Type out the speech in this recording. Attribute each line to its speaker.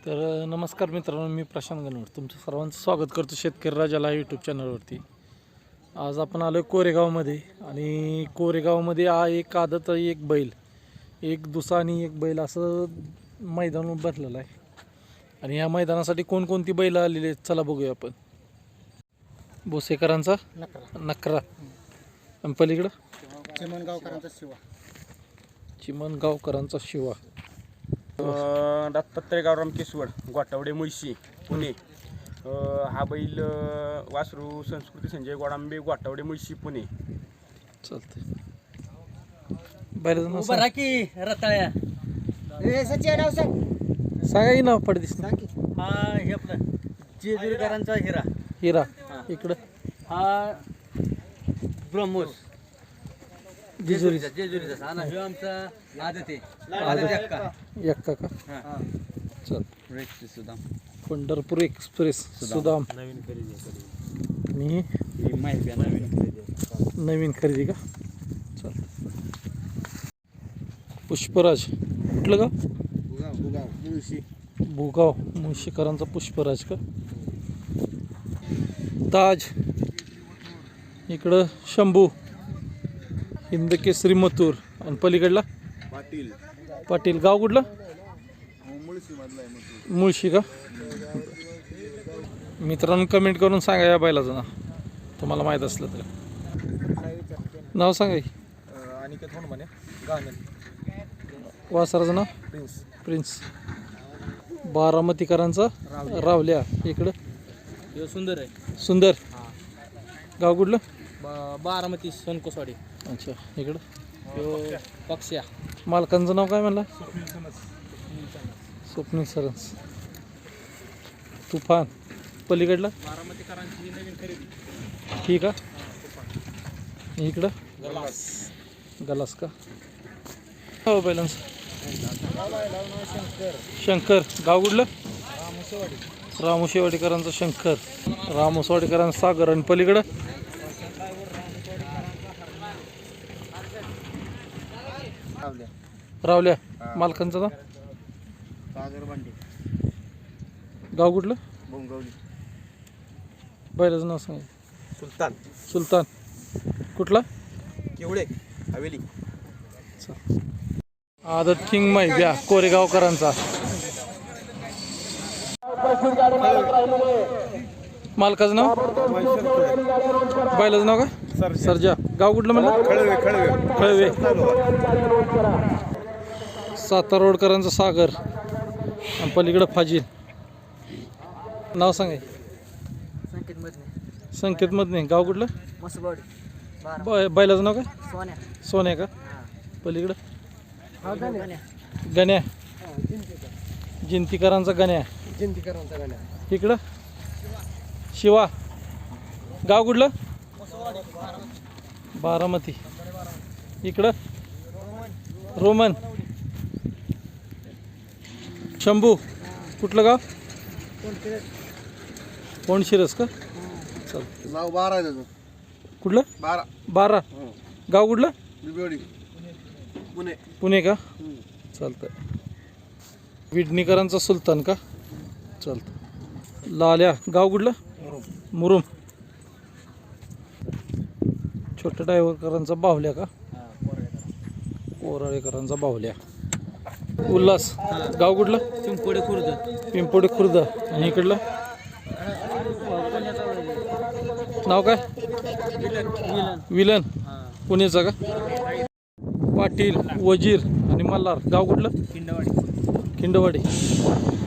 Speaker 1: तर नमस्कार मित्रांनो, मी प्रशांत गणवट तुमचं सर्वांचं स्वागत करतो शेतकरी राजाला यूट्यूब चॅनलवरती. आज आपण आलो कोरेगावमध्ये आणि कोरेगावमध्ये एक आदत, एक बैल, एक दुसा आणि एक बैल असं मैदान भरलेलं आहे. आणि या मैदानासाठी कोणकोणती बैल आलेली आहेत चला बघूया आपण. भोसेकरांचा नकरा आणि पलीकडं चिमणगावकरांचा शिवा.
Speaker 2: दत्तात्रय गावराम केसवड, गोटावडे मुळशी, पुणे. हा बैल वासरू संस्कृती संजय गोडांबे, गोटावडे मुळशी, पुणे.
Speaker 1: चालतंय. बैलाचं नाव
Speaker 3: बरा की रताळ्या
Speaker 1: सांगा की नाव पडदिस.
Speaker 3: हा हे आपलं जेजुरीकरांचा हिरा.
Speaker 1: हिरा इकडं.
Speaker 3: हा ब्रह्मोस
Speaker 1: जेजुरीचा
Speaker 3: जेजुरीचा हा ना. ह्यो आमचा आदत आहे.
Speaker 1: एक्का का.
Speaker 3: हा.
Speaker 1: चल.
Speaker 3: सुदाम
Speaker 1: पंढरपूर एक्सप्रेस सुदाम
Speaker 3: नवीन खरेदी
Speaker 1: आणि नवीन खरेदी का. चल. पुष्पराज कुठलं का. भुगाव मुळशीकरांचा पुष्पराज का. ताज इकडं. शंभू हिंदकेसरी मथुर आणि पलीकडला पाटील. गाव कुठलं. मुळशी का. मित्रांनो कमेंट करून सांगा या बैलाचं नाव तुम्हाला माहीत असलं तर. नाव सांगा की. वासराचं नाव प्रिन्स. बारामतीकरांचा रावल्या इकडं.
Speaker 3: ह्यो सुंदर आहे.
Speaker 1: सुंदर. गाव कुठलं.
Speaker 3: बारामती सोनकोसवाडी.
Speaker 1: अच्छा इकडं.
Speaker 3: ह्यो पक्ष्या.
Speaker 1: मालकांचं नाव काय म्हणला. स्वप्नील सरन्स. तुफान पलीकडला.
Speaker 3: बारामतीकरांची नवीन खरेदी.
Speaker 1: ठीक आहे. इकडं गलास का. हो बैलांच. शंकर. गाव कुठलं. रामोशेवाडीकरांचा शंकर. रामोसवाडीकरांचा सागर आणि पलीकडं. रावल्या. मालकांचं नाव. गाव कुठलं. बैलाचं नाव सांग.
Speaker 2: सुलतान.
Speaker 1: सुलतान कुठला.
Speaker 2: केवढे हवेली.
Speaker 1: आदत किंग मैब्या कोरेगावकरांचा. मालकाचं नाव. बैलाचं नाव का. सर्जा. गाव कुठलं म्हणलं. खळवे. सातारा रोडकरांचा सागर आणि पलीकडं फाजील. नाव सांगाय. संकेत मधने. गाव कुठलं. बैलाचं नाव का. सोन्या का. पलीकडं. गण्या. जिंतीकरांचा गण्या. इकडं. शिवा. गाव कुठलं. बारामती. इकडं. रोमन. शंभू कुठलं गाव. कोणशिरस का. चल.
Speaker 2: नाव 12 आहे त्याचं.
Speaker 1: कुठलं. 12. गाव कुठलं.
Speaker 2: पुणे.
Speaker 1: पुणे का. चालतं. विडणीकरांचा सुलतान का. चालतं. लाल्या. गाव कुठलं. मुरुम. छोट्या ड्रायव्हरकरांचा बाहुल्या का. कोराळेकरांचा बाहुल्या. उल्हास. गाव कुठलं.
Speaker 3: पिंपोडे खुर्द.
Speaker 1: पिंपोडे खुर्द आणि इकडलं. नाव काय. विलन. पुण्याचा का. पाटील. वजीर आणि मल्हार. गाव कुठलं.
Speaker 3: खिंडवाडी.
Speaker 1: खिंडवाडी.